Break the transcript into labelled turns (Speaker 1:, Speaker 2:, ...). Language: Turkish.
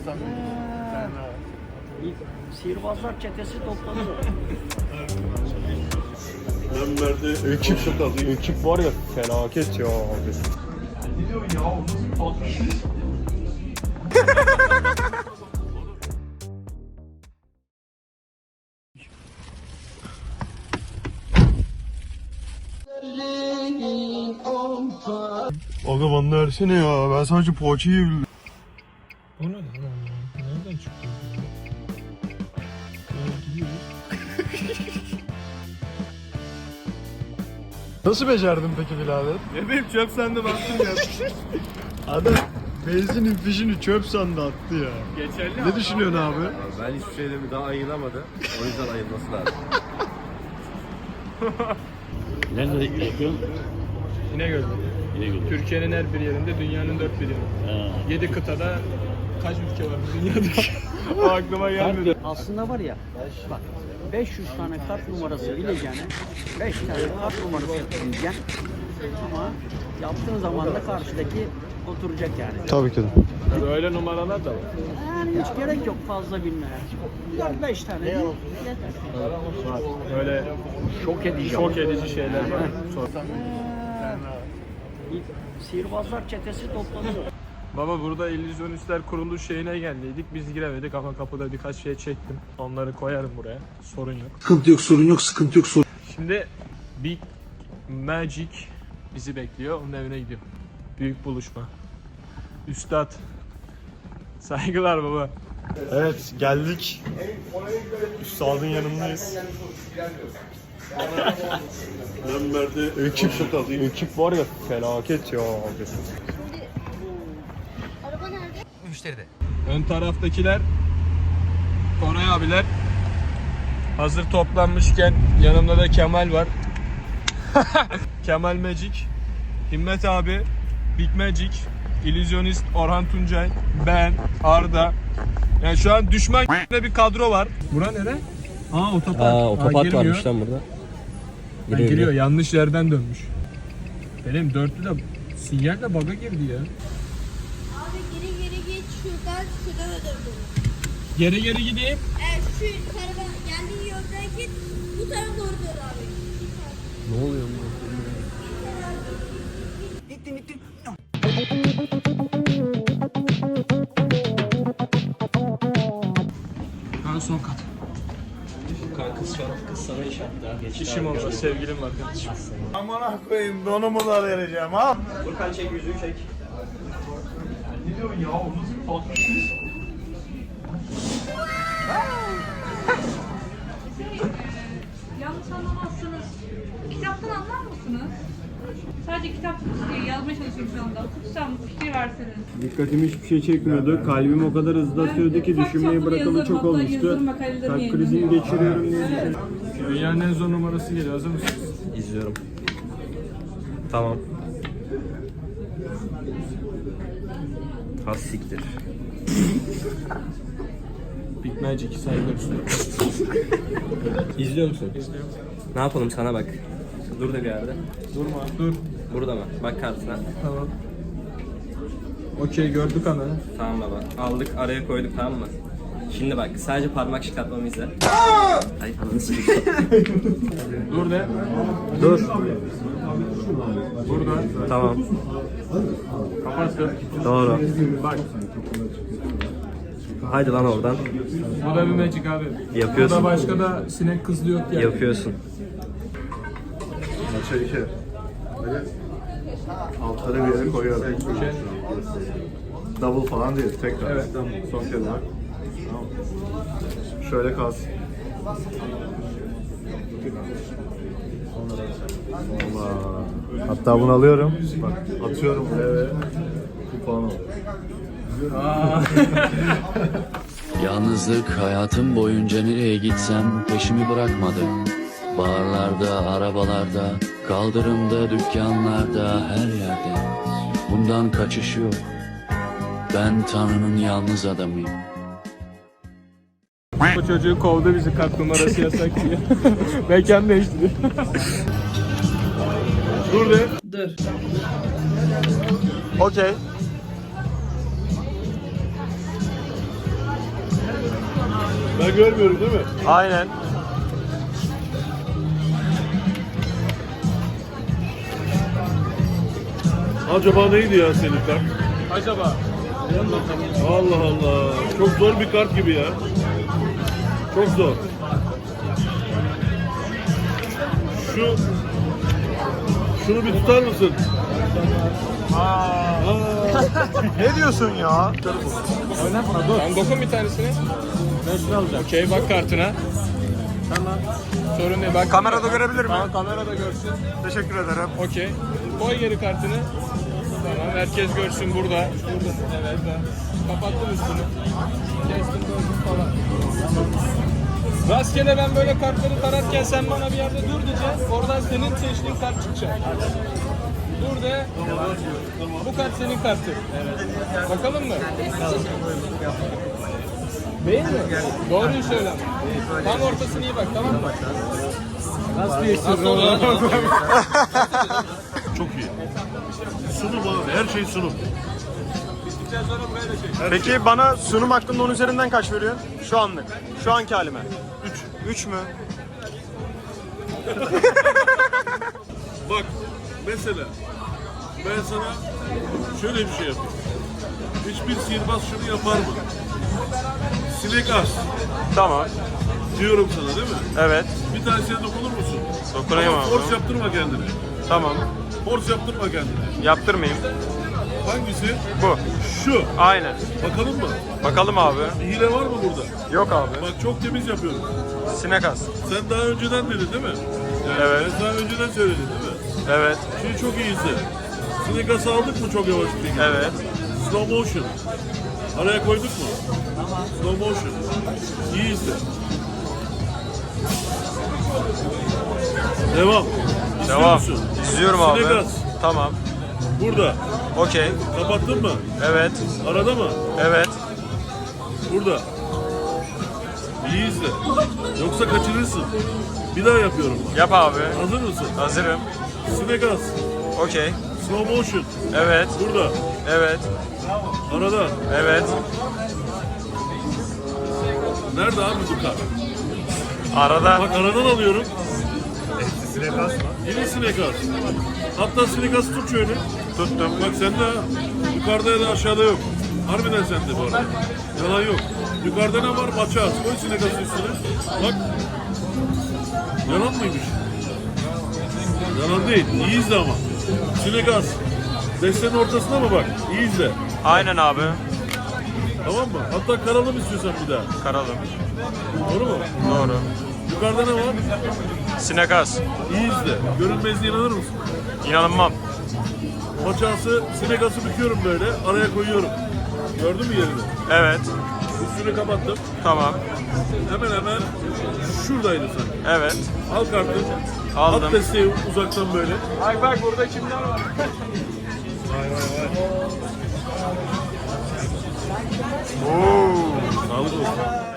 Speaker 1: Sihirbazlar çetesi toplanıyor.
Speaker 2: Ekip var ya felaket ya abi. Aga bana versene ya, ben sadece poğaçayı yiyebildim.
Speaker 3: O ne lan? Nereden çıktı?
Speaker 2: Nasıl becerdin peki birader?
Speaker 3: Ne bileyim çöp sandım attım ya.
Speaker 2: Adam benzinin fişini çöp sandı attı ya.
Speaker 3: Geçerli
Speaker 2: Ne düşünüyorsun abi?
Speaker 4: Ben hiçbir şeyle daha ayılamadı. O yüzden ayılması lazım.
Speaker 5: Nerede yapıyorsun?
Speaker 3: İnegöl'de.
Speaker 5: İnegöl'de.
Speaker 3: Türkiye'nin her bir yerinde, dünyanın dört bir yerinde. 7 kıtada kaç ülke var bu dünyada? O aklıma gelmedi.
Speaker 1: Aslında var ya, bak 500 tane kart numarası bileceğine 5 tane kart numarası bileceksin. Ama yaptığın zaman da karşıdaki oturacak yani.
Speaker 2: Tabii ki de.
Speaker 3: Böyle numaralar da var.
Speaker 1: Yani hiç gerek yok fazla bilmeye. 4-5 tane değil, yeter.
Speaker 3: Böyle
Speaker 1: Şok edici.
Speaker 3: şok edici şeyler var.
Speaker 1: Sihirbazlar çetesi toplanıyor.
Speaker 3: Baba burada illüzyonistler kuruluş şeyine geldiydik. Biz giremedik ama kapıda birkaç şey çektim. Onları koyarım buraya. Sorun yok.
Speaker 6: Sıkıntı yok, sorun yok, sıkıntı yok, sorun.
Speaker 3: Şimdi Big Magic bizi bekliyor. Onun evine gidiyor. Büyük buluşma. Üstad. Saygılar baba.
Speaker 2: Evet geldik. Üstadın yanındayız. Ekip var ya felaket ya abi.
Speaker 7: Araba nerede?
Speaker 3: Ön taraftakiler Koray abiler. Hazır toplanmışken yanımda da Kemal var. Kemal Magic, Himmet abi, Big Magic, İllüzyonist Orhan Tuncay, ben, Arda. Yani şu an düşman bir kadro var. Bura nere? Aa otopark.
Speaker 4: Otopark varmış lan burada.
Speaker 3: Giriyor. Yanlış yerden dönmüş. Benim dörtlü de sinyal de bug'a girdi ya.
Speaker 7: Abi geri git şuradan ödüm.
Speaker 3: Geri gideyim.
Speaker 7: Şu tarafa geldiğin yoldan git bu tarafa doğru dön abi.
Speaker 4: Ne oluyor bu?
Speaker 3: Ha son kat.
Speaker 4: Kız sana iş yaptı ha. Geçti
Speaker 3: İşim olsa sevgilim var kardeşim.
Speaker 2: Amına koyayım donumu da vereceğim ha.
Speaker 4: Furkan çek yüzüğü çek.
Speaker 8: Yanlış anlamazsınız. Kitaptan anlar mısınız? Sadece kitap yazmaya çalışıyorum şu anda. Tutsam fikir verseniz.
Speaker 2: Dikkatimi hiçbir şey çekmiyordu. Kalbim o kadar hızlı atıyordu ki düşünmeyi bırakalı çok olmuştu. Kalp krizini geçiriyorum diye düşünüyorum.
Speaker 3: Dünyanın en zor numarası geliyor. Hazır mısınız?
Speaker 4: İzliyorum. Tamam. Has siktir.
Speaker 3: Big Magic saygılar sunuyorum.
Speaker 4: İzliyor musun?
Speaker 3: İzliyorum.
Speaker 4: Ne yapalım sana bak. Dur da bir yerde.
Speaker 3: Durma. Dur.
Speaker 4: Burada mı? Bak kartına.
Speaker 3: Tamam. Okey gördük ana.
Speaker 4: Tamam baba. Aldık araya koyduk tamam mı? Şimdi bak sadece parmak şıklatmamı izle. Ay ananı sikeyim.
Speaker 3: Dur de.
Speaker 4: Dur.
Speaker 3: Burada.
Speaker 4: Tamam.
Speaker 3: Kapattım.
Speaker 4: Doğru.
Speaker 3: Bak.
Speaker 4: Haydi lan oradan.
Speaker 3: Bu da bir magic abi.
Speaker 4: Yapıyorsun.
Speaker 3: Burada başka da sinek kızlı yok yani.
Speaker 4: Yapıyorsun.
Speaker 2: Maça 2. Altlara bir yere koyuyorum. Double falan değil, tekrar.
Speaker 3: Evet, tamam.
Speaker 2: Son kez bak. Tamam. Şöyle kalsın. Allah. Hatta bunu alıyorum. Bak atıyorum buraya ve kupon ol.
Speaker 5: Yalnızlık hayatım boyunca nereye gitsem peşimi bırakmadı. Barlarda, arabalarda, kaldırımda, dükkanlarda, her yerde. Bundan kaçış yok. Ben Tanrı'nın yalnız adamıyım.
Speaker 3: Bu çocuğu kovdu bizi kart numarası yasak diye. Mekan değiştiriyor. Dur de.
Speaker 1: Dur.
Speaker 2: Okey.
Speaker 6: Ben görmüyorum değil mi?
Speaker 2: Aynen.
Speaker 6: Acaba neydi ya senin kart?
Speaker 3: Acaba?
Speaker 6: Allah Allah. Çok zor bir kart gibi ya. Çok zor. Şunu bir tutar mısın?
Speaker 2: Ne diyorsun ya?
Speaker 3: Sen dokun bir tanesine. Okey, bak kartına. Tamam. Sorun değil. Bak
Speaker 2: Kamerada görebilir miyim?
Speaker 3: Tamam, kamerada görsün.
Speaker 2: Teşekkür ederim.
Speaker 3: Okey. Koy geri kartını. Tamam, herkes görsün burada. Buradasın, evet. Kapattım üstünü. Kestim, gördüm falan. Rastgele ben böyle kartları tararken sen bana bir yerde dur diyeceksin. Oradan senin seçtiğin kart çıkacak. Dur de. Bu kart senin kartın. Evet. Bakalım mı? Değil mi? Doğruyu söyle. Tam ortasını iyi bak, tamam mı? Nasıl oluyor?
Speaker 6: Çok iyi. Sunum abi. Her şey sunum.
Speaker 2: Peki bana sunum hakkında 10 üzerinden kaç veriyorsun? Şu anlık. Şu anki halime. 3. 3 mü?
Speaker 6: Bak mesela ben sana şöyle bir şey yapayım. Hiçbir sihirbaz şunu yapar mı? Sinek as
Speaker 2: Tamam.
Speaker 6: diyorum sana değil mi?
Speaker 2: Evet.
Speaker 6: Bir tanesine dokunur musun?
Speaker 2: Dokunayım
Speaker 6: Ama
Speaker 2: abi.
Speaker 6: force yaptırma kendine.
Speaker 2: Tamam.
Speaker 6: Force yaptırma kendine.
Speaker 2: Yaptırmayayım.
Speaker 6: Hangisi?
Speaker 2: Bu.
Speaker 6: Şu.
Speaker 2: Aynen.
Speaker 6: Bakalım mı?
Speaker 2: Bakalım abi.
Speaker 6: Bir hile var mı burada?
Speaker 2: Yok abi.
Speaker 6: Bak çok temiz yapıyorum.
Speaker 2: Sinek az.
Speaker 6: Sen daha önceden dedin değil mi? Yani
Speaker 2: Evet.
Speaker 6: Ben daha önceden söyledin değil mi?
Speaker 2: Evet.
Speaker 6: Şimdi çok iyi izle. Sinek ası aldık mı çok yavaş bir şekilde?
Speaker 2: Evet.
Speaker 6: Slow motion. Araya koyduk mu? Slow motion. İyi izle. Devam. İzliyor
Speaker 2: Devam.
Speaker 6: musun?
Speaker 2: İzliyorum abi.
Speaker 6: Sinek az.
Speaker 2: Tamam.
Speaker 6: Burada.
Speaker 2: Okey.
Speaker 6: Kapattın mı?
Speaker 2: Evet.
Speaker 6: Arada mı?
Speaker 2: Evet.
Speaker 6: Burada. İyi izle. Yoksa kaçırırsın. Bir daha yapıyorum.
Speaker 2: Yap abi.
Speaker 6: Hazır mısın?
Speaker 2: Hazırım.
Speaker 6: Sinek az.
Speaker 2: Okey.
Speaker 6: Slow motion.
Speaker 2: Evet.
Speaker 6: Burada.
Speaker 2: Evet.
Speaker 6: Arada.
Speaker 2: Evet.
Speaker 6: Nerede abi bu kart?
Speaker 2: Arada.
Speaker 6: Bak aradan alıyorum. Sinek az. Yine sinek az. Hatta sinek az tut şöyle.
Speaker 2: Tuttum.
Speaker 6: Bak sende yukarıda ya da aşağıda yok. Harbiden sende bu arada. Yalan yok. Yukarıda ne var? Maça az. Koy sinek azı üstüne. Bak. Yalan mıymış? Yalan değil. İyi izle ama. Sinek az. Destenin ortasına mı bak? İyi izle.
Speaker 2: Aynen abi.
Speaker 6: Tamam mı? Hatta karalım istiyorsan bir daha.
Speaker 2: Karalım.
Speaker 6: Doğru mu?
Speaker 2: Doğru.
Speaker 6: Yukarıda ne var?
Speaker 2: Sinek az.
Speaker 6: İyi izle. Görünmezliğe inanır mısın?
Speaker 2: İnanılmam.
Speaker 6: Maçası, sinek ası büküyorum böyle. Araya koyuyorum. Gördün mü yerini?
Speaker 2: Evet.
Speaker 6: Üstünü kapattım.
Speaker 2: Tamam.
Speaker 6: Hemen hemen şuradaydı sen.
Speaker 2: Evet.
Speaker 6: Al kartı.
Speaker 2: Aldım.
Speaker 6: At desteği uzaktan böyle.
Speaker 3: Bak bak burada kimler var?
Speaker 2: Oo.
Speaker 6: Sağlık olsun.